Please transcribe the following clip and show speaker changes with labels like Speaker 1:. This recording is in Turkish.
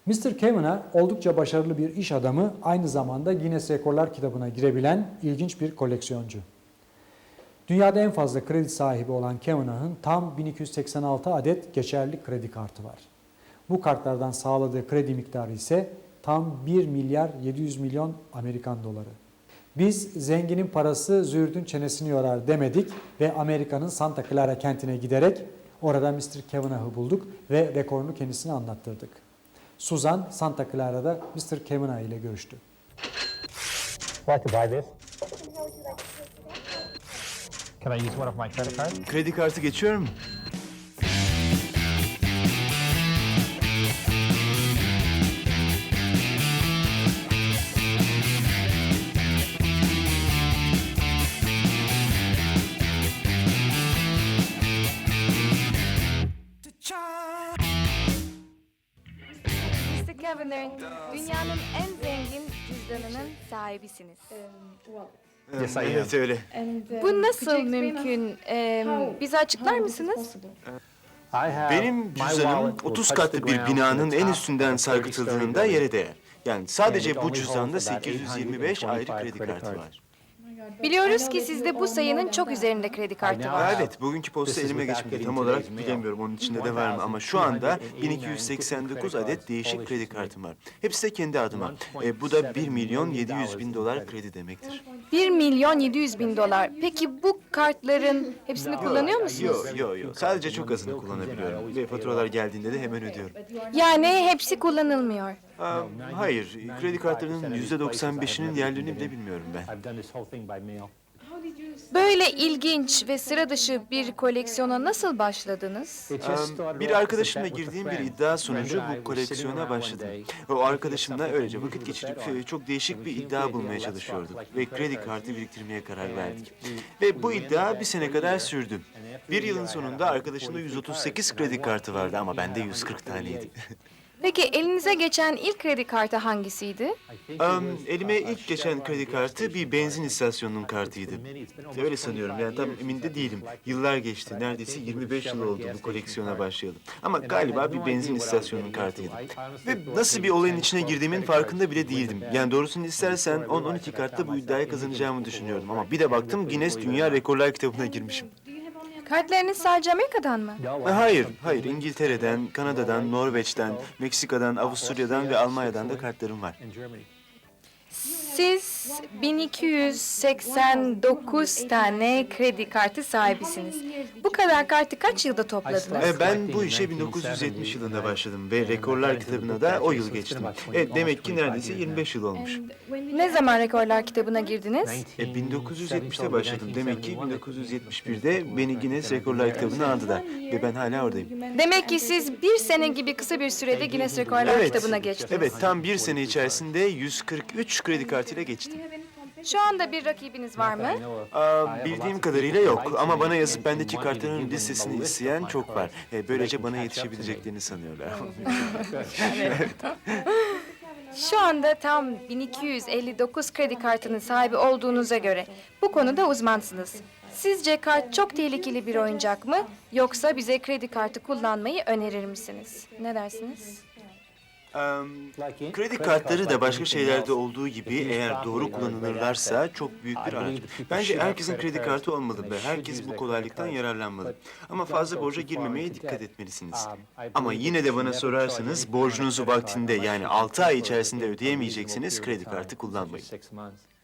Speaker 1: Mr. Kavanaugh oldukça başarılı bir iş adamı, aynı zamanda Guinness Rekorlar kitabına girebilen ilginç bir koleksiyoncu. Dünyada en fazla kredi sahibi olan Kavanaugh'ın tam 1286 adet geçerli kredi kartı var. Bu kartlardan sağladığı kredi miktarı ise tam 1 milyar 700 milyon Amerikan doları. Biz zenginin parası züğürdün çenesini yorar demedik ve Amerika'nın Santa Clara kentine giderek orada Mr. Kavanaugh'ı bulduk ve rekorunu kendisine anlattırdık. Suzan Santa Clara'da Mr. Kavanaugh ile görüştü.
Speaker 2: Like to buy this? Can I use one of my credit cards?
Speaker 3: Kredi kartı geçiyor mu?
Speaker 4: Mr. Kavanagh, dünyanın en zengin cüzdanının sahibisiniz.
Speaker 2: Yes, I am.
Speaker 3: Evet öyle.
Speaker 4: Bu nasıl mümkün? Bize açıklar mısınız?
Speaker 2: I have
Speaker 3: Benim
Speaker 2: my
Speaker 3: cüzdanım
Speaker 2: wallet will
Speaker 3: 30
Speaker 2: touch
Speaker 3: katlı
Speaker 2: the
Speaker 3: bir
Speaker 2: ground
Speaker 3: binanın
Speaker 2: in the
Speaker 3: en
Speaker 2: top
Speaker 3: üstünden
Speaker 2: of a 30-story
Speaker 3: sarkıtıldığında
Speaker 2: building.
Speaker 3: yere değer. Yani sadece
Speaker 2: And it
Speaker 3: bu
Speaker 2: only
Speaker 3: cüzdanda
Speaker 2: holds about
Speaker 3: 825 ayrı
Speaker 2: 825
Speaker 3: kredi kartı
Speaker 2: credit
Speaker 3: var.
Speaker 4: Biliyoruz ki sizde bu sayının çok üzerinde kredi kartı
Speaker 2: I
Speaker 4: var.
Speaker 2: know.
Speaker 3: Evet, bugünkü posta
Speaker 2: This is
Speaker 3: elime
Speaker 2: without
Speaker 3: geçmedi.
Speaker 2: getting
Speaker 3: Tam olarak
Speaker 2: today's mail.
Speaker 3: bilemiyorum onun içinde de var mı ama şu anda 1289 adet değişik kredi kartım var. Hepsi de kendi adıma. Bu da 1 milyon 700 bin dolar kredi demektir.
Speaker 4: 1 milyon 700 bin dolar. Peki bu kartların hepsini kullanıyor musunuz?
Speaker 3: Yok. Sadece çok azını kullanabiliyorum. Ve faturalar geldiğinde de hemen ödüyorum.
Speaker 4: Yani hepsi kullanılmıyor.
Speaker 3: Hayır, kredi kartlarının %95'inin yerlerini bile bilmiyorum ben.
Speaker 2: I've done this whole thing by mail.
Speaker 4: Böyle ilginç ve sıra dışı bir koleksiyona nasıl başladınız?
Speaker 2: It just started off
Speaker 3: Bir
Speaker 2: as a
Speaker 3: arkadaşımla
Speaker 2: bet with a
Speaker 3: girdiğim bir
Speaker 2: friend.
Speaker 3: iddia sonucu
Speaker 2: Friend and I
Speaker 3: bu
Speaker 2: were
Speaker 3: koleksiyona
Speaker 2: sitting around
Speaker 3: başladım.
Speaker 2: one day.
Speaker 3: Ve o arkadaşımla
Speaker 2: Something
Speaker 3: öylece vakit
Speaker 2: unusual to
Speaker 3: geçirip
Speaker 2: bet on.
Speaker 3: çok değişik bir
Speaker 2: And we
Speaker 3: iddia
Speaker 2: came to
Speaker 3: bulmaya
Speaker 2: the idea, let's
Speaker 3: çalışıyorduk.
Speaker 2: start
Speaker 3: Ve
Speaker 2: collecting
Speaker 3: kredi
Speaker 2: credit
Speaker 3: kartı
Speaker 2: cards.
Speaker 3: biriktirmeye karar
Speaker 2: And
Speaker 3: verdik.
Speaker 2: we
Speaker 3: Ve bu
Speaker 2: went
Speaker 3: iddia
Speaker 2: into
Speaker 3: bir
Speaker 2: that
Speaker 3: sene
Speaker 2: for a
Speaker 3: kadar
Speaker 2: year.
Speaker 3: sürdü.
Speaker 2: And after
Speaker 3: Bir
Speaker 2: a
Speaker 3: yılın
Speaker 2: year, I
Speaker 3: sonunda
Speaker 2: had
Speaker 3: arkadaşımda
Speaker 2: 143
Speaker 3: 138
Speaker 2: cards.
Speaker 3: kredi
Speaker 2: And I
Speaker 3: kartı
Speaker 2: won.
Speaker 3: vardı ama
Speaker 2: He
Speaker 3: bende
Speaker 2: had
Speaker 3: 140 taneydi.
Speaker 4: Peki elinize geçen ilk kredi kartı hangisiydi?
Speaker 2: I think it was,
Speaker 3: Elime
Speaker 2: a
Speaker 3: ilk geçen
Speaker 2: Chevron
Speaker 3: kredi
Speaker 2: gas
Speaker 3: kartı
Speaker 2: station
Speaker 3: bir benzin
Speaker 2: card.
Speaker 3: istasyonunun kartıydı. Öyle sanıyorum yani tam emin de değilim. Yıllar geçti. Neredeyse 25 yıl oldu bu koleksiyona başlayalım. Ama galiba bir benzin istasyonunun kartıydı. Ve nasıl bir olayın içine girdiğimin farkında bile değildim. Yani doğrusunu istersen 10-12 kartta bu iddiayı kazanacağımı düşünüyordum. Ama bir de baktım Guinness Dünya Rekorlar kitabına girmişim.
Speaker 4: Kartlarınız sadece Amerika'dan mı?
Speaker 3: Hayır. İngiltere'den, Kanada'dan, Norveç'ten, Meksika'dan, Avusturya'dan ve Almanya'dan da kartlarım var.
Speaker 2: In Germany.
Speaker 4: Siz 1289 tane kredi kartı sahibisiniz. Bu kadar kartı kaç yılda topladınız?
Speaker 3: Ben bu işe 1970 yılında başladım ve Rekorlar kitabına da o yıl geçtim. Demek ki neredeyse 25 yıl olmuş.
Speaker 4: Ne zaman rekorlar kitabına girdiniz?
Speaker 3: 1970'te başladım. Demek ki 1971'de beni Guinness Rekorlar kitabına aldılar ve ben hala oradayım.
Speaker 4: Demek ki siz bir sene gibi kısa bir sürede Guinness Rekorlar kitabına geçtiniz.
Speaker 3: Evet, tam bir sene içerisinde 143 kredi kartıyla geçtim.
Speaker 4: Şu anda bir rakibiniz var mı?
Speaker 3: Bildiğim kadarıyla yok ama bana yazıp bendeki kartların listesini isteyen çok var. Böylece bana yetişebileceklerini sanıyorlar.
Speaker 4: Şu anda tam 1259 kredi kartının sahibi olduğunuza göre bu konuda uzmansınız. Sizce kart çok tehlikeli bir oyuncak mı? Yoksa bize kredi kartı kullanmayı önerir misiniz? Ne dersiniz?
Speaker 3: Kredi kartları da başka şeylerde olduğu gibi eğer doğru kullanılırlarsa çok büyük bir araç. Bence herkesin kredi kartı olmalı ve herkes bu kolaylıktan yararlanmalı. Ama fazla borca girmemeye dikkat etmelisiniz. Ama yine de bana sorarsanız borcunuzu vaktinde yani 6 ay içerisinde ödeyemeyeceksiniz kredi kartı kullanmayın.
Speaker 2: 6 months.